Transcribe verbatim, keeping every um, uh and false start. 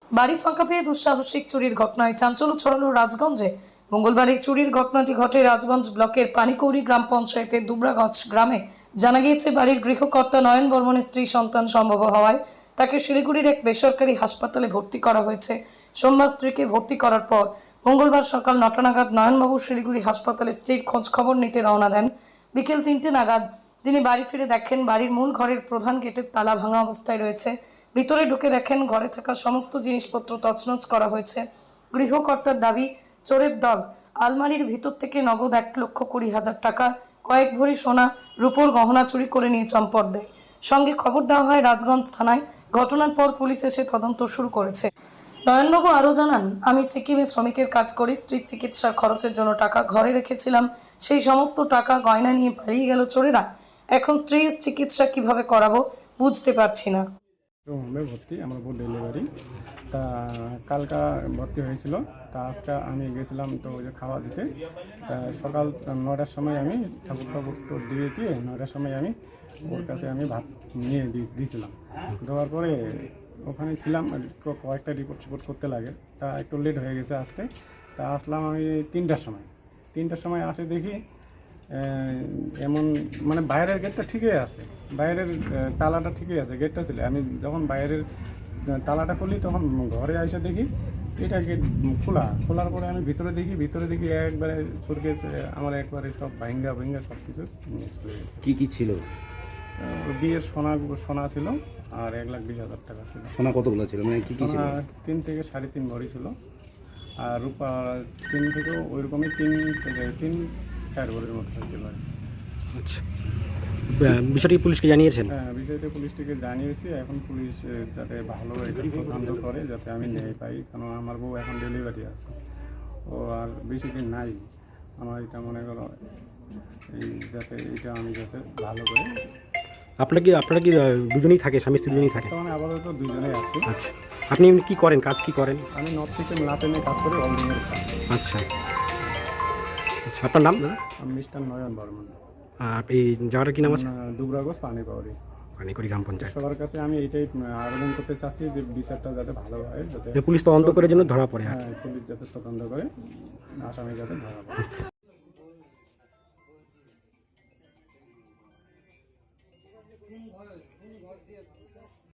বাড়ি ফাঁকা পেয়ে দুঃসাহসিক চুরির ঘটনায় চাঞ্চল্য ছড়ালো রাজগঞ্জে। মঙ্গলবার এই চুরির ঘটনাটি ঘটে রাজগঞ্জ ব্লকের পানিকৌড়ি গ্রাম পঞ্চায়েতের দুবরাগছ গ্রামে। জানা গিয়েছে, বাড়ির গৃহকর্তা নয়ন বর্মনের স্ত্রী সন্তান সম্ভব হওয়ায় তাকে শিলিগুড়ির এক বেসরকারি হাসপাতালে ভর্তি করা হয়েছে। সোমবার স্ত্রীকে ভর্তি করার পর মঙ্গলবার সকাল নটা নাগাদ নয়নবাবু শিলিগুড়ি হাসপাতালে স্ত্রীর খোঁজ খবর নিতে রওনা দেন। বিকেল তিনটে নাগাদ তিনি বাড়ি ফিরে দেখেন বাড়ির মূল ঘরের প্রধান গেটের তালা ভাঙা অবস্থায় রয়েছে। ভিতরে ঢুকে দেখেন ঘরে থাকা সমস্ত জিনিসপত্র তছনছ করা হয়েছে। গৃহকর্তার দাবি, চোরের দল আলমারির ভিতর থেকে নগদ এক লক্ষ কুড়ি হাজার টাকা, কয়েক ভরি সোনা, রূপোর গহনা চুরি করে নিয়ে চম্পট দেয়। সঙ্গে খবর দেওয়া হয় রাজগঞ্জ থানায়। ঘটনার পর পুলিশ এসে তদন্ত শুরু করেছে। নয়নবাবু আরও জানান, আমি সিকিমে শ্রমিকের কাজ করি। স্ত্রীর চিকিৎসার খরচের জন্য টাকা ঘরে রেখেছিলাম। সেই সমস্ত টাকা গয়না নিয়ে পালিয়ে গেল চোরেরা। এখন স্ত্রীর চিকিৎসা কিভাবে করাবো বুঝতে পারছি না। হোমে ভর্তি, আমার বউ ডেলিভারি। তা কালকা ভর্তি হয়েছিল। তা আজকে আমি গেছিলাম তো ওই যে খাওয়া দিতে। তা সকাল নটার সময় আমি ঠাকুর ঠাকুর তো দিয়ে দিয়ে নটার সময় আমি ওর কাছে আমি ভাত নিয়ে দিয়েছিলাম। দেওয়ার পরে ওখানে ছিলাম, কয়েকটা রিপোর্ট সিপোর্ট করতে লাগে। তা একটু লেট হয়ে গেছে আসতে। তা আসলাম আমি তিনটার সময় তিনটার সময় আসে দেখি এমন, মানে বাইরের গেটটা ঠিকই আছে, বাইরের তালাটা ঠিকই আছে, গেটটা ছিল। আমি যখন বাইরের তালাটা খুলি তখন ঘরে এসে দেখি এটা গেট খোলা। খোলার পরে আমি ভিতরে দেখি ভিতরে দেখি একবারে সরকে আমার একবারে সব ভাঙ্গা ভাঙ্গা সব কিছু কি কি ছিল? বিয়ের সোনা সোনা ছিল আর এক লাখ বিশ হাজার টাকা ছিল। সোনা কতগুলো ছিল, মানে কি কি ছিল? তিন থেকে সাড়ে তিন ভরি ছিল। আর রূপা তিন থেকেও ওই রকমই তিন থেকে তিন চার ভরির মতো থাকতে পারে। আচ্ছা, বিষয়টি পুলিশকে জানিয়েছেন? হ্যাঁ, বিষয়টা পুলিশটিকে জানিয়েছি। এখন পুলিশ যাতে ভালো এটা তদন্ত করে, যাতে আমি ন্যায় পাই। কারণ আমার বউ এখন ডেলিভারি আছে, ও আর বেশি দিন নাই। আমার এটা মনে করো এই যাতে এটা আমি যাতে ভালো করে। আপনার কি আপনারা কি দুজনেই থাকে, স্বামী স্ত্রী দুজনেই থাকে? তখন আপাতত দুজনেই আছি। আচ্ছা, আপনি কি করেন, কাজ কি করেন? আমি নর্থ সিকিম লাচেনে কাজ করি, অলডিংয়ের কাজ। আচ্ছা আচ্ছা, আপনার নাম দাদা? আমি মিস্টার নয়ন বর্মন। আর এই জায়গাটার কি নাম আছে? দুবরাগছ পানিকৌড়ি পানিকৌড়ি গ্রাম পঞ্চায়েত। সবার কাছে আমি এইটাই আবেদন করতে চাচ্ছি যে বিচারটা যাতে ভালো হয়, যাতে পুলিশ তদন্ত করে জন্য ধরা পড়ে। হ্যাঁ, পুলিশ যাতে তদন্ত করে আসামি যাতে ধরা পড়ে।